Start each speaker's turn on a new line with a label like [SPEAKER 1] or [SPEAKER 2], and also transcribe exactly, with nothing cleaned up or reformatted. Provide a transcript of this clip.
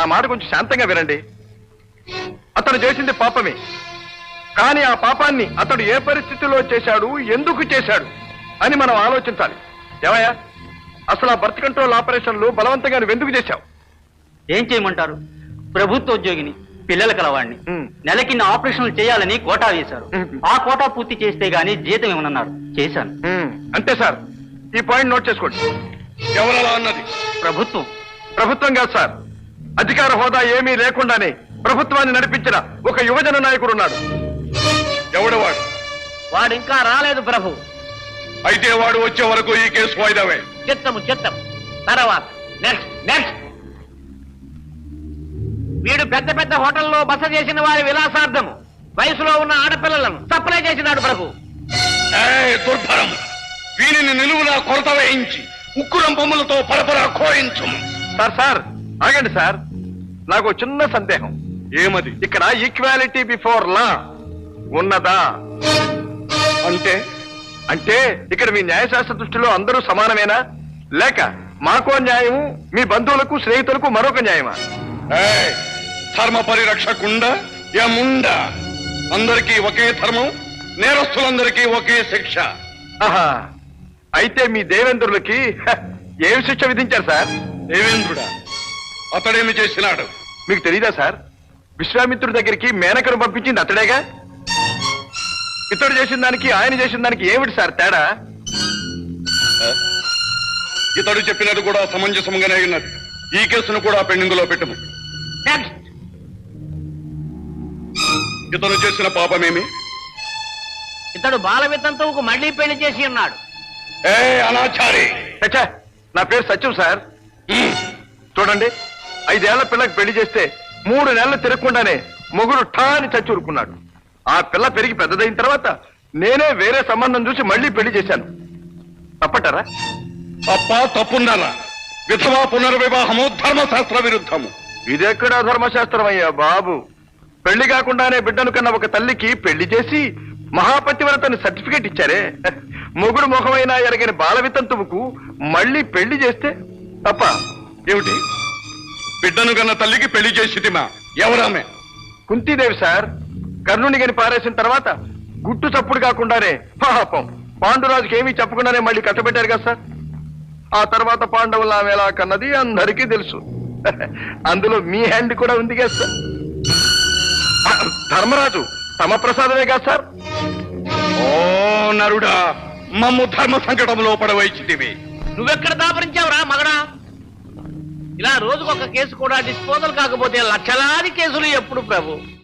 [SPEAKER 1] మాట కొంచెం శాంతంగా వినండి. అతను చేసింది పాపమే, కానీ ఆ పాపాన్ని అతడు ఏ పరిస్థితిలో చేశాడు, ఎందుకు చేశాడు అని మనం ఆలోచించాలి. ఏమయ్యా, అసలు ఆ బర్త్ కంట్రోల్ ఆపరేషన్లు బలవంతంగా నువ్వు ఎందుకు చేశావు?
[SPEAKER 2] ఏం చేయమంటారు? ప్రభుత్వ ఉద్యోగిని, పిల్లల కలవాడిని. నెలకి ఆపరేషన్లు చేయాలని కోటా వేశారు. ఆ కోటా పూర్తి చేస్తే గానీ జీతం ఏమన్నారు, చేశాను.
[SPEAKER 1] అంతే సార్, ఈ పాయింట్ నోట్ చేసుకోండి.
[SPEAKER 3] ఎవరలా అన్నది?
[SPEAKER 2] ప్రభుత్వం.
[SPEAKER 1] ప్రభుత్వం కాదు సార్, అధికార హోదా ఏమీ లేకుండానే ప్రభుత్వాన్ని నడిపించిన ఒక యువజన నాయకుడు ఉన్నాడు.
[SPEAKER 3] ఎవడు వాడు?
[SPEAKER 4] వాడు ఇంకా రాలేదు ప్రభు.
[SPEAKER 3] అయితే వాడు వచ్చే వరకు ఈ కేసు వాయిదావే.
[SPEAKER 4] చిత్తము చిత్తం. తర్వాత నెక్స్ట్ నెక్స్ట్. వీడు పెద్ద పెద్ద హోటల్లో బస చేసిన వారి విలాసార్థము వయసులో ఉన్న ఆడపిల్లలను సప్లై చేసినాడు ప్రభు.
[SPEAKER 3] దుర్భరం! వీరిని నిలువులా కొరత వేయించి ఉక్కురం బొమ్మలతో పరపరా కోయించు.
[SPEAKER 1] సార్ సార్ ఆగండి సార్, నాకు చిన్న సందేహం.
[SPEAKER 3] ఏమది?
[SPEAKER 1] ఇక్కడ ఈక్వాలిటీ బిఫోర్ లా ఉన్నదా?
[SPEAKER 3] అంటే
[SPEAKER 1] అంటే ఇక్కడ మీ న్యాయశాస్త్ర దృష్టిలో అందరూ సమానమేనా, లేక మాకో న్యాయము, మీ బంధువులకు స్నేహితులకు మరొక న్యాయమా?
[SPEAKER 3] ధర్మ పరిరక్షకుండా యముండా అందరికీ ఒకే ధర్మం, నేరస్తులందరికీ ఒకే శిక్ష.
[SPEAKER 1] ఆహా, అయితే మీ దేవేంద్రులకి ఏమి శిక్ష విధించారు సార్?
[SPEAKER 3] దేవేంద్రుడా? అతడేమి చేసినాడు
[SPEAKER 1] మీకు తెలీదా సార్? విశ్వామిత్రుడి దగ్గరికి మేనకను పంపించింది అతడేగా. ఇతడు చేసిన దానికి ఆయన చేసిన దానికి ఏమిటి సార్ తేడా?
[SPEAKER 3] ఇతడు చెప్పినది కూడా సమంజసంగానే ఉన్నది. ఈ కేసును కూడా పెండింగ్ లో పెట్టుము.
[SPEAKER 4] నెక్స్ట్.
[SPEAKER 3] ఇతను చేసిన పాపమేమి?
[SPEAKER 4] ఇతడు బాల వితంతువుకు మళ్లీ పెళ్లి చేసి ఉన్నాడు.
[SPEAKER 3] ఏ అనాచారి!
[SPEAKER 1] చచ్చా, నా పేరు సత్యం సార్. చూడండి, ఐదేళ్ల పిల్లకి పెళ్లి చేస్తే మూడు నెలలు తిరగకుండానే మొగుడు ఠా అని చచ్చి ఊరుకున్నాడు. ఆ పిల్ల పెరిగి పెద్దదైన తర్వాత నేనే వేరే సంబంధం చూసి మళ్లీ పెళ్లి చేశాను. తప్పటారా?
[SPEAKER 3] తప్ప తప్పున్నారా? విధవా పునర్వివాహము ధర్మశాస్త్ర విరుద్ధము.
[SPEAKER 1] ఇదెక్కడా ధర్మశాస్త్రం అయ్యా బాబు. పెళ్లి కాకుండానే బిడ్డను కన్నా ఒక తల్లికి పెళ్లి చేసి మహాపతివ్రతని సర్టిఫికేట్ ఇచ్చారే. మొగుడు ముఖమైనా ఎరగని బాల వితంతువుకు మళ్లీ పెళ్లి చేస్తే తప్ప
[SPEAKER 3] ఏమిటి? బిడ్డను కన్న తల్లికి పెళ్లి చేసిటిమా? ఎవరామె?
[SPEAKER 1] కుంతీదేవి సార్. కర్ణుని గని పారేసిన తర్వాత గుట్టు చప్పుడు కాకుండానే పాపం పాండురాజుకి ఏమీ చెప్పకుండానే మళ్ళీ కట్టబెట్టారు కదా సార్. ఆ తర్వాత పాండవులు ఆమె ఎలా కన్నది అందరికీ తెలుసు. అందులో మీ హ్యాండ్ కూడా ఉంది కదా సార్. ధర్మరాజు తమ ప్రసాదమే కదా సార్.
[SPEAKER 3] ఓ నరుడా, మమ్ము ధర్మ సంకటంలో పడవైచితివి.
[SPEAKER 4] నువ్వెక్కడ దాపరించావురా మగడా? ఇలా రోజుకొక కేసు కూడా డిస్పోజల్ కాకపోతే లక్షలాది కేసులు ఎప్పుడు ప్రభు?